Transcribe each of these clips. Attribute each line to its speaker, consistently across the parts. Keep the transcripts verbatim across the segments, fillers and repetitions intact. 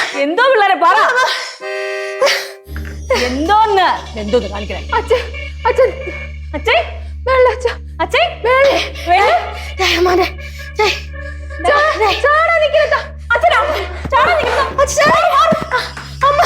Speaker 1: എന്തോ പിള്ളേരെ പറ. എന്തോന്ന് എന്തോന്ന് കാണിക്കണേ?
Speaker 2: അച്ഛൻ അച്ഛൻ
Speaker 1: അച്ഛൻ
Speaker 2: വെള്ളച്ച
Speaker 1: അച്ഛൻ
Speaker 2: ചാടാ നിൽക്കുന്ന
Speaker 1: അച്ഛനാ ചാടാ നിൽക്കുന്ന
Speaker 2: അമ്മ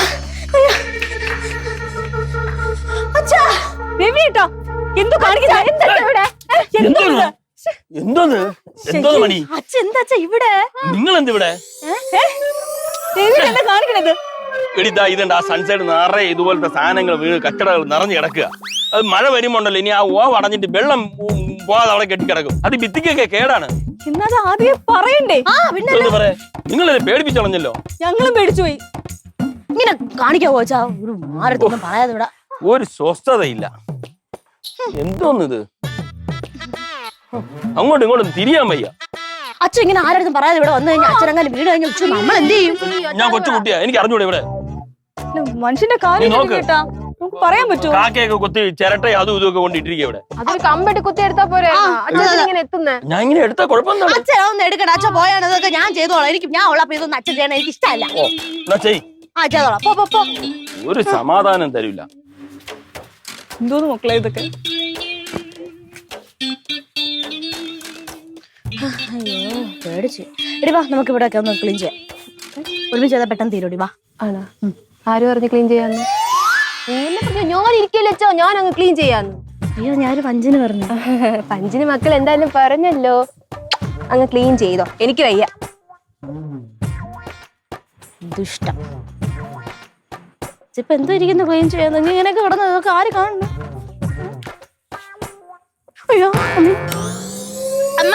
Speaker 2: അച്ഛാ
Speaker 1: രവി കേട്ടോ എന്തോ കാണിക്കുന്ന എന്താ ഇവിടെ?
Speaker 3: എന്തോന്ന് എന്തോന്ന് എന്തോന്ന് മണി?
Speaker 1: അച്ഛൻ എന്താ അച്ഛാ ഇവിടെ?
Speaker 3: നിങ്ങൾ എന്ത് ഇവിടെ?
Speaker 1: രവി എന്താ കാണിക്കണത്?
Speaker 3: എടിതാ ഇതുണ്ട് ആ സൺസൈഡ് നിറയെ ഇതുപോലത്തെ സാധനങ്ങൾ വീണ് കച്ചടകൾ നിറഞ്ഞു കിടക്കുക. അത് മഴ വരുമ്പോണ്ടല്ലോ ഇനി ആ ഓവ് അടഞ്ഞിട്ട് വെള്ളം പോകാതെ അവിടെ കെട്ടിക്കിടക്കും. അത് ഭിത്തിക്കൊക്കെ കേടാണ്.
Speaker 1: ഇന്നത് ആദ്യം പറയണ്ടേ?
Speaker 3: പറയാ നിങ്ങളെ പേടിപ്പിച്ചളഞ്ഞല്ലോ.
Speaker 1: ഞങ്ങളും പേടിച്ചു പോയി.
Speaker 2: ഇങ്ങനെ കാണിക്കാവോ അച്ഛാ? ഒരു മാരത്തൊന്നും പറയാതെ ഇവിടെ
Speaker 3: ഒരു സ്വസ്ഥതയില്ല. എന്തോന്നിത്? അങ്ങോട്ടും ഇങ്ങോട്ടും തിരിയാൻ വയ്യ.
Speaker 2: അച്ഛൻ ഇങ്ങനെ ആരും പറയാതെ ഇവിടെ വന്നു കഴിഞ്ഞാൽ അച്ഛനങ്ങനെ വീട് കഴിഞ്ഞ ഉച്ച നമ്മൾ എന്ത് ചെയ്യും?
Speaker 3: ഞാൻ കൊച്ചു കുട്ടിയാ, എനിക്ക് അറിഞ്ഞൂടെ ഇവിടെ
Speaker 1: മനുഷ്യന്റെ കാര്യം കേട്ടാ നമുക്ക് പറയാൻ പറ്റുമോ?
Speaker 3: കാക്കയൊക്കെ കൊത്തി ചിരട്ട അതും ഇതൊക്കെ കൊണ്ടിട്ടിരിക്കുക ഇവിടെ.
Speaker 4: അതൊരു കമ്പെട്ട് കുത്തി എടുത്താ പോരെ? ഇങ്ങനെ എത്തുന്നേ
Speaker 3: ഞാൻ ഇങ്ങനെ എടുത്താ കുഴപ്പമൊന്നും.
Speaker 2: അച്ഛൻ ഒന്ന് എടുക്കട്ടെ. അച്ഛൻ പോയാണ് ഇതൊക്കെ ഞാൻ ചെയ്തോളാം. എനിക്ക് ഞാൻ ഉള്ളപ്പോ ഇതൊന്നും അച്ഛൻ ചെയ്യണം എനിക്ക് ഇഷ്ടമല്ല.
Speaker 3: ഓ എന്നാ ചെയ്.
Speaker 2: ആ ചെയ്തോളാം. പോ പോ പോ.
Speaker 3: ഒരു സമാധാനം തരില്ല.
Speaker 1: എന്തോന്ന് മക്കളെ ഇതൊക്കെ?
Speaker 2: അയ്യോ പേടിച്ച്. എടി വാ നമുക്ക് ഇവിടെ ഒക്കെ ഒന്ന് ക്ലീൻ ചെയ്യാം. ഒരുമിച്ച് ചെയ്താൽ പെട്ടെന്ന് തീരോടി വാ.
Speaker 4: ആണോ? ആര് പറഞ്ഞു ക്ലീൻ ചെയ്യാന്ന്? ഞാൻ ഇരിക്കല്ലോ, ഞാൻ അങ്ങ് ക്ലീൻ ചെയ്യാന്ന്.
Speaker 2: അയ്യോ ഞാനൊരു പഞ്ചിന് പറഞ്ഞു.
Speaker 4: പഞ്ചിന് മക്കൾ എന്തായാലും പറഞ്ഞല്ലോ, അങ്ങ് ക്ലീൻ ചെയ്തോ. എനിക്ക് വയ്യ.
Speaker 2: ദുഷ്ടം. ഇപ്പൊ എന്തോ ഇരിക്കുന്നു ക്ലീൻ ചെയ്യാന്ന്? നീ ഇങ്ങനെയൊക്കെ കിടന്ന് ഇതൊക്കെ ആര് കാണുന്നു? അയ്യോ അമ്മ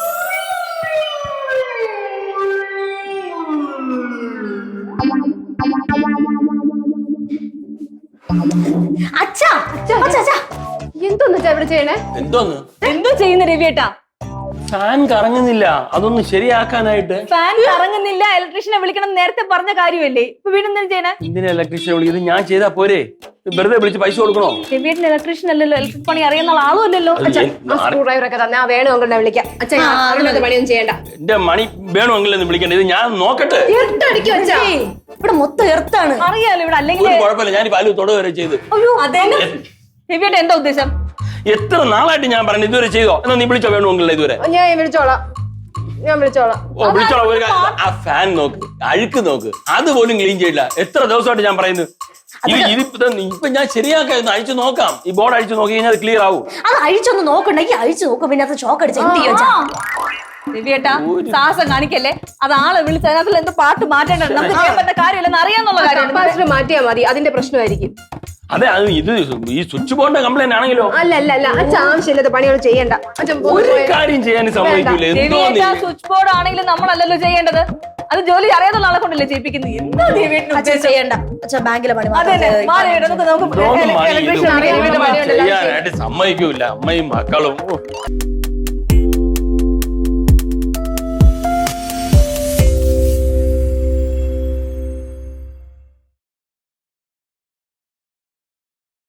Speaker 2: അച്ഛാ അച്ഛാ
Speaker 4: എന്തോന്ന് ഇവിടെ ചെയ്യണേ?
Speaker 3: എന്തോന്ന്
Speaker 1: എന്തോ ചെയ്യുന്ന രവിയേട്ടാ?
Speaker 3: ഫാൻ കറങ്ങുന്നില്ല, അതൊന്ന് ശരിയാക്കാനായിട്ട്.
Speaker 1: ഫാൻ കറങ്ങുന്നില്ല, ഇലക്ട്രീഷ്യനെ വിളിക്കണം നേരത്തെ പറഞ്ഞ കാര്യമല്ലേ? ഇപ്പൊ വീണ്ടും എന്തിനാ ചെയ്യണേ?
Speaker 3: എന്തിനാ ഇലക്ട്രീഷ്യനെ വിളിക്കുന്നത്? ഞാൻ ചെയ്താ പോരെ? വെറുതെ വിളിച്ച് പൈസ കൊടുക്കണോ?
Speaker 1: രവിയേട്ടൻ ഇലക്ട്രീഷ്യൻ അല്ലല്ലോ, ഇലക്ട്രിക് പണി അറിയുന്ന ആളും അല്ലല്ലോ.
Speaker 4: സ്ക്രൂ ഡ്രൈവർ ഒക്കെ തന്നെ വേണു അങ്ങനെ വിളിക്കാം. അച്ഛൻ പണിയൊന്നും ചെയ്യണ്ട.
Speaker 3: എന്റെ മണി വേണമെങ്കിലും വിളിക്കണ്ട. ഇത് ഞാൻ നോക്കട്ടെ.
Speaker 2: ഇവിടെ മൊത്തം എർത്താണ്.
Speaker 1: അറിയാലോ ഇവിടെ അല്ലെങ്കിൽ
Speaker 3: ഒരു കുഴപ്പമില്ല, ഞാൻ പല തൊട വരെ ചെയ്ത്.
Speaker 1: അയ്യോ അതെ രവിയേട്ടൻ എന്താ ഉദ്ദേശം?
Speaker 3: എത്ര നാളായിട്ട് ഞാൻ പറഞ്ഞു ഇതുവരെ ചെയ്തോ? എന്നാ നീ വിളിച്ചോ വേണമെങ്കിലോ ഇതുവരെ?
Speaker 4: ഞാൻ വിളിച്ചോളാം, ഞാൻ വിളിച്ചോളാം.
Speaker 3: ഓ വിളിച്ചോളാം. ഒരു കാര്യം, ആ ഫാൻ നോക്ക്, അഴുക്ക് നോക്ക്, അതുപോലും ക്ലീൻ ചെയ്യില്ല. എത്ര ദിവസമായിട്ട് ഞാൻ പറയുന്നു. ഇപ്പൊ ഞാൻ ശരിയാക്കായിരുന്നു, അഴിച്ചു നോക്കാം. ഈ ബോർഡ് അഴിച്ചു നോക്കി കഴിഞ്ഞാൽ അത് ക്ലിയർ ആവും.
Speaker 2: അത് അഴിച്ചൊന്ന് നോക്കണ്ടെങ്കിൽ അഴിച്ചു നോക്കും. പിന്നെ അത് ഷോക്ക് അടിച്ച് എന്ത് ചെയ്യോ?
Speaker 1: രവിയേട്ടാ സാഹസം കാണിക്കല്ലേ? അത് ആളെ വിളിച്ച് അതിനകത്ത് എന്തോ പാട്ട് മാറ്റേണ്ടത്. നമുക്ക് ചെയ്യാൻ പറ്റുന്ന കാര്യമില്ലെന്ന് അറിയാന്നുള്ള കാര്യം
Speaker 4: മാറ്റിയാ മതി. അതിന്റെ പ്രശ്നമായിരിക്കും.
Speaker 3: അതെ, അത് ഇത് ഈ സ്വിച്ച് ബോർഡിന്റെ കംപ്ലൈന്റ് ആണെങ്കിലോ?
Speaker 4: അല്ല അല്ല അല്ല അച്ഛൻ ആവശ്യമില്ലാത്ത പണികൾ ചെയ്യണ്ട.
Speaker 3: ഒരു കാര്യം ചെയ്യാൻ സമ്മതിക്കില്ല.
Speaker 1: രവിയേട്ടാ സ്വിച്ച് ബോർഡ് ആണെങ്കിലും നമ്മളല്ലല്ലോ ചെയ്യേണ്ടത്. അത് ജോലി അറിയാതുള്ള ആളെ കൊണ്ടല്ലേ ചെയ്യിപ്പിക്കുന്നത്. എന്താ രവിയേട്ടൻ
Speaker 2: ചെയ്യണ്ട? അച്ഛൻ ബാങ്കിലെ പണി
Speaker 3: ചെയ്യാനായിട്ട് സമ്മതിക്കൂല അമ്മയും മക്കളും.